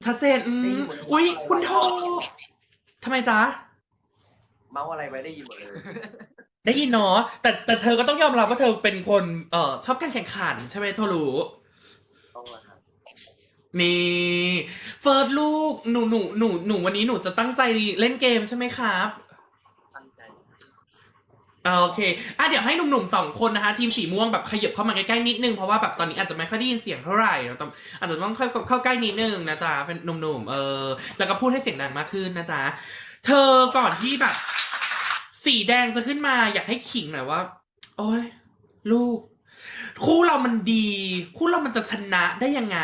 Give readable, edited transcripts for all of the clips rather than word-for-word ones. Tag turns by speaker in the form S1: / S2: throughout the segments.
S1: ชัดเจนอุ๊ยคุณโททำไมจ๊ะ
S2: เมาอะไรไว้ได้ยินหมดเลย
S1: ได้ยินเนาะแต่เธอก็ต้องยอมรับว่าเธอเป็นคนชอบการแข่งขันใช่ไหมโทรู้
S2: ต้องมาครับ
S1: นี่เฟิร์สลูกหนูวันนี้หนูจะตั้งใจเล่นเกมใช่ไหมครับ
S2: ตั้งใจ
S1: โอเคเดี๋ยวให้หนุ่มๆ2 คนนะคะทีมสีม่วงแบบขยับเข้ามาใกล้ๆนิดนึงเพราะว่าแบบตอนนี้อาจจะไม่ค่อยได้ยินเสียงเท่าไหร่เราต้องอาจจะต้องเข้าใกล้นิดนึงนะจ๊ะเป็นหนุ่มๆแล้วก็พูดให้เสียงดังมากขึ้นนะจ๊ะเธอก่อนที่แบบสีแดงจะขึ้นมาอยากให้ขิงหน่อยว่าโอ้ยลูกคู่เรามันดีคู่เรามันจะชนะได้ยังไง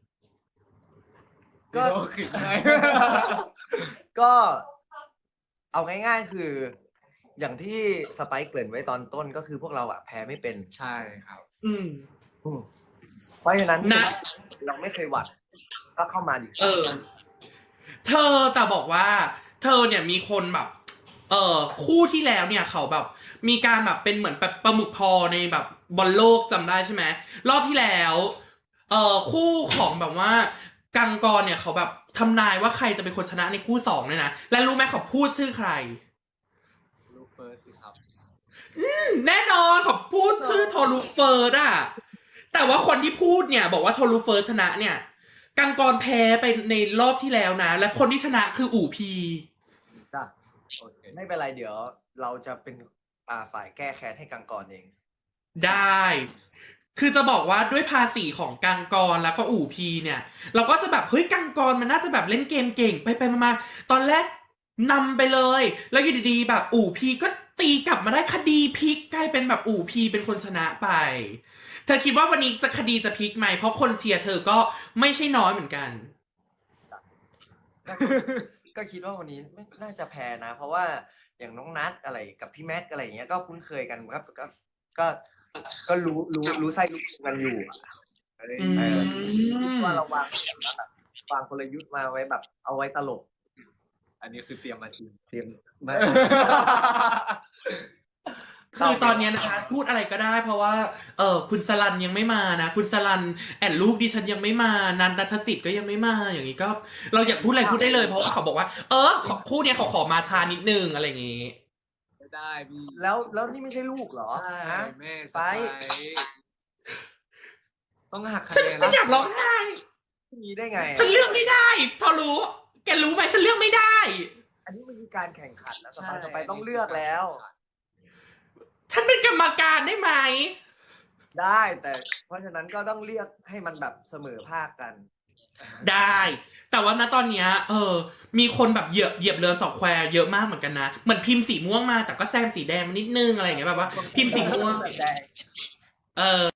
S2: ก็ขึ้นไง ก็เอาง่ายๆคือ อย่างที่สไปค์เกริ่นไว้ตอนต้นก็คือพวกเราอะแพ้ไม่เป็น
S3: ใช่ครับ
S1: อืม
S2: เพราะฉะนั้น
S1: นะ
S2: เราไม่เคยหวัดก็เข้ามาดิ
S1: เธอแต่บอกว่า เธอเนี่ยมีคนแบบคู่ที่แล้วเนี่ยเขาแบบ มีการแบบเป็นเหมือนแบบปลาหมึกพอในแบบบอลโลกจำได้ใช่ไหมรอบที่แล้วคู่ของแบบว่ากังกรเนี่ยเขาแบบทำนายว่าใครจะเป็นคนชนะในคู่2เนี่ยนะและรู้ไหมเขาพูดชื่อใคร
S3: ลูกเฟิร์สสิครับ
S1: แน่นอนเขาพูดชื่อโทรุเฟิร์สอะแต่ว่าคนที่พูดเนี่ยบอกว่าโทรุเฟิร์สชนะเนี่ยกังกรแพ้ไปในรอบที่แล้วนะและคนที่ชนะคืออู่พี
S2: จ้ะโอเคไม่เป็นไรเดี๋ยวเราจะเป็นฝ่ายแก้แค้นให้กังกรเอง
S1: ได้ คือจะบอกว่าด้วยภาษีของกังกรแล้วก็อู่พีเนี่ย เราก็จะแบบเฮ้ยกังกรมันน่าจะแบบเล่นเกมเก่งไปมาตอนแรกนำไปเลย แล้วอยู่ดีๆแบบอู่พีก็ตีกลับมาได้คดีพลิกกลายเป็นแบบอู่พีเป็นคนชนะไป เธอคิดว่าวันนี้จะคดีจะพลิกไหมเพราะคนเชียร์เธอก็ไม่ใช่น้อยเหมือนกัน
S2: ก็คิดว่าวันนี้ไม่น่าจะแพ้นะ เพราะว่าอย่างน้องนัทอะไรกับพี่แม็กอะไรอย่างเงี้ยก็คุ้นเคยกันครับก็รู้ไส้รู้กันอยู่ว่าเราวางกลยุทธ์มาไว้แบบเอาไว้ตลก
S3: อันนี้คือเตรียมมาจริง
S2: เตรียมมา
S1: คือตอนนี้นะคะพูดอะไรก็ได้เพราะว่าคุณสลันยังไม่มานะคุณสลันแอนลูกดิฉันยังไม่มานันทสิทธิ์ก็ยังไม่มาอย่างนี้ก็ เราอยากพูดอะไรพูดได้เลยเพราะว่าเขาบอกว่าคู่เนี้ยเขาขอมาช้านิดนึงอะไรอย่างงี้
S3: ไม่ได้พี่
S2: แล้วนี่ไม่ใช่ลูกเหรอ
S3: ใช่
S2: ฮะ
S3: แม่ส
S2: ไป
S3: ไปต้องหักคะ
S1: ฉัน
S3: แนน
S1: ฉันอยากร้องไห้
S2: มีได้ไง
S1: ฉันเลือกไม่ได้ทอรู้แกรู้ไหมฉันเลือกไม่ได้
S2: อันนี้มันมีการแข่งขันแล้วต่อไปต้องเลือกแล้ว
S1: ฉันเป็นกรรมการได้ไหม
S2: ได้แต่เพราะฉะนั้นก็ต้องเลือกให้มันแบบเสมอภาคกัน
S1: ได้ แต่ว่าณตอนเนี้ยมีคนแบบเหยียบเรือสองแควเยอะมากเหมือนกันนะเหมือนพิมพ์สีม่วงมาแต่ก็แซมสีแดงมานิดนึงอะไรอย่างเงี้ยแบบว่าพิมพ์สีม่วง